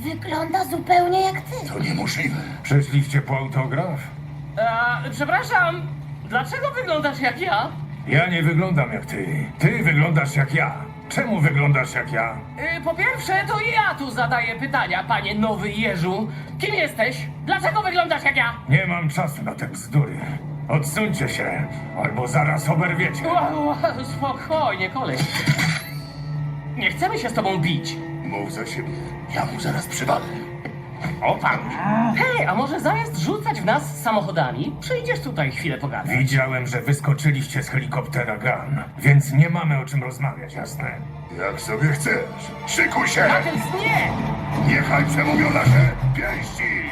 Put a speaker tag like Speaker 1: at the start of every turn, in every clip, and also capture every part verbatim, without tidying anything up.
Speaker 1: Wygląda zupełnie jak ty.
Speaker 2: To niemożliwe.
Speaker 3: Przyszliście po autograf?
Speaker 4: A, przepraszam, dlaczego wyglądasz jak ja?
Speaker 3: Ja nie wyglądam jak ty. Ty wyglądasz jak ja. Czemu wyglądasz jak ja?
Speaker 4: Y, po pierwsze, to ja tu zadaję pytania, panie Nowy Jeżu. Kim jesteś? Dlaczego wyglądasz jak ja?
Speaker 3: Nie mam czasu na te bzdury. Odsuńcie się, albo zaraz oberwiecie.
Speaker 4: Wow, wow, spokojnie, koleś. Nie chcemy się z tobą bić.
Speaker 2: Mów za siebie. Ja mu zaraz przywalę.
Speaker 4: O pan. Hej, a może zamiast rzucać w nas samochodami, przyjdziesz tutaj chwilę pogadać?
Speaker 3: Widziałem, że wyskoczyliście z helikoptera Gun, więc nie mamy o czym rozmawiać, jasne?
Speaker 2: Jak sobie chcesz. Szykuj się!
Speaker 4: Knuckles, nie!
Speaker 2: Niechaj przemówią nasze pięści!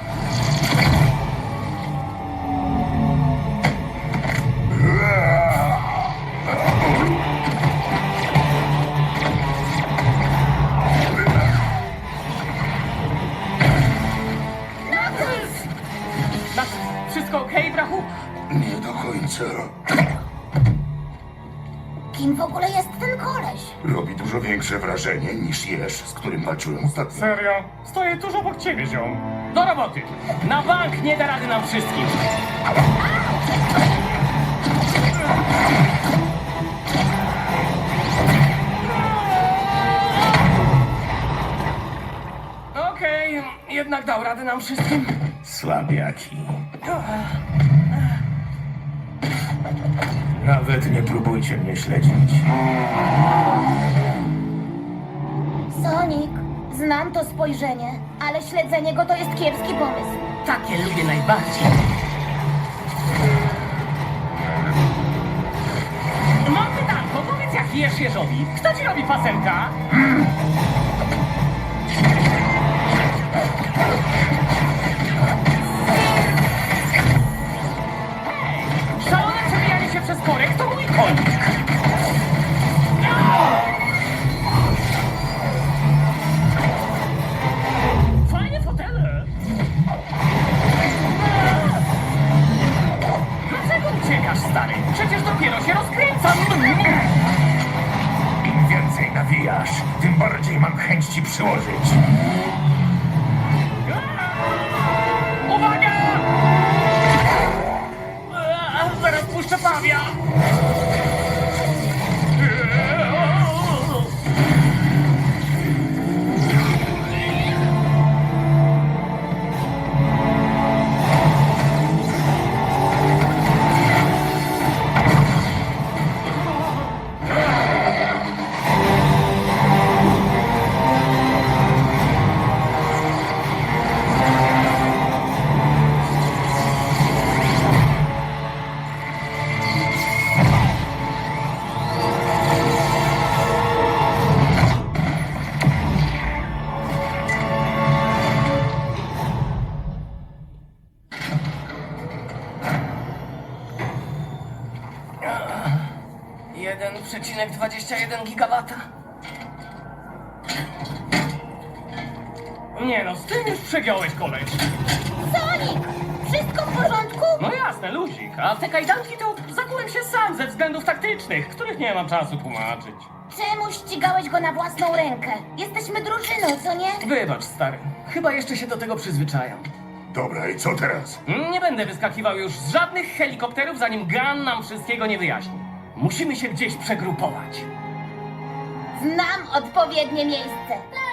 Speaker 4: Masz wszystko okej, brachu?
Speaker 2: Nie do końca.
Speaker 1: Kim w ogóle jest ten koleś?
Speaker 2: Robi dużo większe wrażenie niż Jeż, z którym walczyłem ostatnio.
Speaker 3: Serio? Stoję tuż obok ciebie, ziom.
Speaker 4: Do roboty! Na bank nie da rady nam wszystkim! Okej, jednak dał radę nam wszystkim.
Speaker 3: Słabiaki. Nawet nie próbujcie mnie śledzić.
Speaker 1: Sonic, znam to spojrzenie, ale śledzenie go to jest kiepski pomysł.
Speaker 4: Takie lubię najbardziej. Mam pytanko, powiedz jak jesz jeżowi. Kto ci robi pasemka? Hej, szalone przebijanie się przez korek to mój konik. Fajne fotele. Dlaczego uciekasz, stary? Przecież dopiero się rozkręcam.
Speaker 3: Im więcej nawijasz, tym bardziej mam chęć ci przyłożyć.
Speaker 4: Uwaga! Eee, Zaraz puszczę pawia. jeden przecinek dwadzieścia jeden gigawata. Nie no, z tym już przegiąłeś, koleś.
Speaker 1: Sonic! Wszystko w porządku?
Speaker 4: No jasne, luzik. A w te kajdanki to zakułem się sam ze względów taktycznych, których nie mam czasu tłumaczyć.
Speaker 1: Czemu ścigałeś go na własną rękę? Jesteśmy drużyną, co nie?
Speaker 4: Wybacz, stary. Chyba jeszcze się do tego przyzwyczajam.
Speaker 2: Dobra, i co teraz?
Speaker 4: Nie będę wyskakiwał już z żadnych helikopterów, zanim Gun nam wszystkiego nie wyjaśni. Musimy się gdzieś przegrupować.
Speaker 1: Znam odpowiednie miejsce.